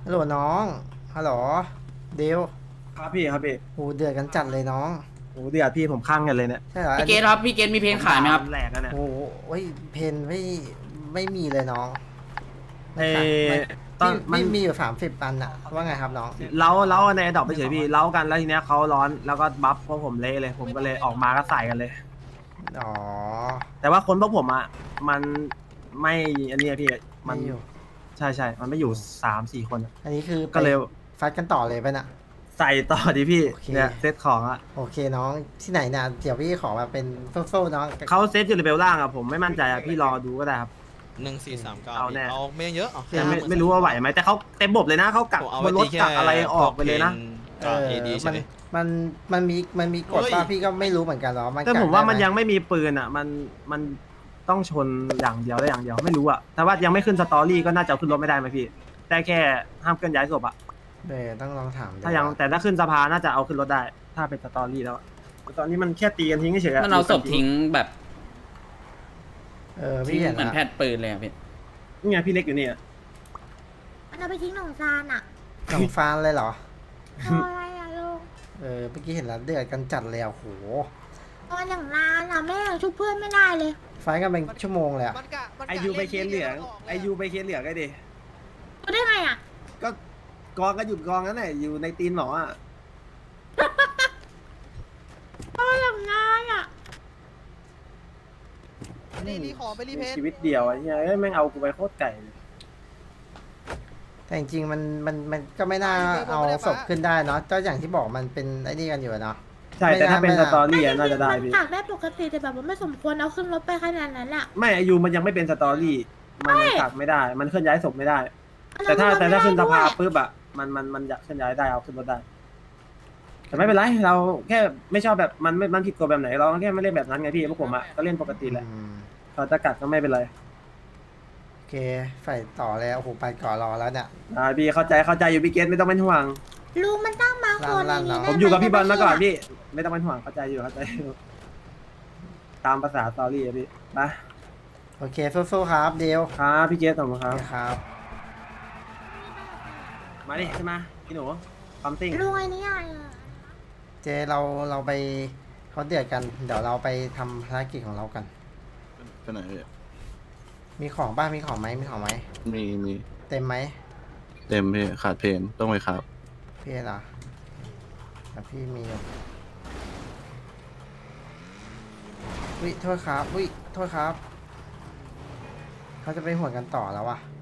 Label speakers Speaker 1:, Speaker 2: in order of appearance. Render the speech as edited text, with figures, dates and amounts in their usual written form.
Speaker 1: ฮัลโหลน้องฮัลโหลเดว
Speaker 2: ครับพี่ครับพี่
Speaker 1: โหเดือดกันจัดเลยน้อง
Speaker 2: โอ้เดือดพี่ผมข้างกันเลยเนี่ย
Speaker 1: ใช่เหรออั
Speaker 3: พี่
Speaker 1: นนี้
Speaker 3: เกตครับพี่เกตมีเพลงขายไหมครับ
Speaker 2: แหลกกันเนี่ย
Speaker 1: โอ้โหเฮ้ยเพนไม่มีเลยน้อง
Speaker 2: เอ
Speaker 1: ไม่
Speaker 2: ตอนมัน
Speaker 1: มีอยู่30 อันอะว่าไงครับน้อง
Speaker 2: เล้าในดอกไปเฉยพี่เล้ากันแล้วทีเนี้ยเขาร้อนแล้วก็บัฟพวกผมเละเลยผมก็เลยออกมาก็ใส่กันเลย
Speaker 1: อ๋อ
Speaker 2: แต่ว่าคนพวกผมอ่ะมันไม่อันเนี้ยพี่มั
Speaker 1: ไม่
Speaker 2: น
Speaker 1: อยู่
Speaker 2: ใช่มันไม่อยู่3-4คนอะ
Speaker 1: อันนี้คือไป
Speaker 2: ก็เลย
Speaker 1: ฟัดกันต่อเลยไปะน่ะ
Speaker 2: ใส่ต่อดิพี่
Speaker 1: โอเค
Speaker 2: เนี่ยเซตของอ่ะ
Speaker 1: โอเคน้องที่ไหนเนี่ยเดี๋ยวพี่ขอมาเป็นโซ่ๆน้อง
Speaker 2: เขาเซตอยู่เลเวลล่างอ่ะผมไม่มั่นใจอ่ะพี่รอดูก็ได้ครับ
Speaker 4: 1439
Speaker 2: เอาแน่
Speaker 4: เอาไม่เยอะเอา
Speaker 2: แต่ไม่รู้ว่าไหวไหมแต่เขาเต็มบบเลยนะเขากัก
Speaker 4: ผมเอา
Speaker 2: บ
Speaker 4: ไว้
Speaker 2: นรถ
Speaker 4: ที่แค่
Speaker 2: กักอะไรออกไปเลยนะ
Speaker 4: เอดีใช่ไหม
Speaker 1: มันมีกฎ
Speaker 4: เฮ้ย
Speaker 1: ป่ะพี่ก็ไม่รู้เหมือนกันหรอมัน
Speaker 2: แต่ผมว่ามัน
Speaker 1: กัดได้ไห
Speaker 2: ยังไม่มีปืนอ่ะมันต้องชนอย่างเดียวได้อย่างเดียวไม่รู้อ่ะแต่ว่ายังไม่ขึ้นสตอรี่ก็น่าจะเอาขึ้นรถไม่ได้ไหมพี่ได้แค่ห้ามเคลื่อนย้ายศพอ่ะ
Speaker 1: ต้องลองถามดู
Speaker 2: ถ้ายังแต่ถ้าขึ้นสภาน่าจะเอาขึ้นรถได้ ถ้าเป็นสตอรี่แล้วอะแต่ตอนนี้มันแค่ตีกันทิ้งเฉยๆอะ
Speaker 3: มันเอาศพทิ้งแบบ
Speaker 1: พี่
Speaker 3: ทิ้ง
Speaker 1: เห็น
Speaker 3: เหมือน
Speaker 1: ละ
Speaker 3: แพทย์ปืนเลยอะพี่
Speaker 2: นี่ไงพี่เล็กอยู่นี่อะ
Speaker 5: มันเอาไปทิ้งหนองซานอ่ะ
Speaker 1: หนองฟานเลยเหรอ
Speaker 5: เอาอะไรอ่ะลุง
Speaker 1: เมื่อกี้เห็นแล้วเดือดกันจัดเลยอ่ะโห
Speaker 5: ตอนอย่างนานอ่ะแม่ยังชุบเพื่อนไม่ได้เลย
Speaker 1: ไฟท์กันเป็นชั่วโมงเลยอ่ะ
Speaker 2: ไอยูไปเคนเหลืองไอยูไปเคนเหลืองไงดิ
Speaker 5: รู้ได้ไงอ่ะ
Speaker 2: ก็กองก็หยุดกองนั่นแหละอยู่ในตีนหมออ่ะ
Speaker 5: ตอนอย่างนานอ่ะ
Speaker 6: นี่รีขอไปรีเพน
Speaker 2: ชีวิตเดียวไอ้เหี้ยเอ้ยแม่งเอากูไปโคตรไก่เลย
Speaker 1: แต่จริงๆมันก็ไม่น่าเอาศพขึ้นได้เนาะก็อย่างที่บอกมันเป็นไอ้นี่กันอยู่อะเนาะ
Speaker 2: ใช่แต่ถ้าเป็น
Speaker 1: ไม่
Speaker 2: ส
Speaker 1: น่า
Speaker 2: ตอรี่อะน่าจะได้
Speaker 5: มัน
Speaker 2: พี่
Speaker 5: ตักได้ปกติแต่แบบว่าไม่สมควรเอาขึ้นรถไปขนาดนั้นอ่ะ
Speaker 2: ไม่ไอยูมันยังไม่เป็นสตอรี่มันยังตักไม่ได้ มันเคลื่อนย้ายศพไม่ได้ แต่ถ้า
Speaker 5: เอ
Speaker 2: ขึ้นสภา
Speaker 5: ไม่ได้ด้วย
Speaker 2: ปุ๊บอะมันจะเคลื่อนย้ายได้เอาขึ้นรถได้ แต่ไม่เป็นไรเราแค่ไม่ชอบแบบมันผิดกฎแบบไหนเราแค่ไม่เล่นแบบนั้นไงพี่พวกผมอะก็เล่นปกติแหละ
Speaker 1: อืม
Speaker 2: เขาจะกัดก็ไม่เป็นไร
Speaker 1: โอเคไฟต่อแล้วโอ้โหไปก่อนรอแล้วเนี่ย
Speaker 2: พี่เข้าใจอยู่พี่เกตไม่ต้องเป็นห่วง
Speaker 5: ลุงมันตั้งมาคนอย่างนี้
Speaker 1: ลั่นๆ
Speaker 5: ได้
Speaker 2: ผมอยู่กับพี่บอลมาก่อนพี่ ไม่ต้องเป็นห่วงเข้าใจอยู่ตามภาษาสตอรี่อะพี่ไป
Speaker 1: โอเคสู้ๆครับเดว
Speaker 2: ครับพี่เกตขอบคุณครับ
Speaker 1: ครับ
Speaker 2: มาดิใช่ไหมพี่หนูความติ้ง
Speaker 5: ลุงไอ้นี่อ่ะ
Speaker 1: เจเราไปเขาเดือดกันเดี๋ยวเราไปทำภารกิจของเรากัน
Speaker 7: ไปไหนพี่
Speaker 1: มีของบ้างมีของไหม
Speaker 7: มี
Speaker 1: เต็มไหม
Speaker 7: เต็มพี่ขาดเพนต้องไปครับ
Speaker 1: พี่เหรอแต่พี่มีอยู่วิโทษครับวิโทษครับเขาจะไปหวนกันต่อแล้ววะ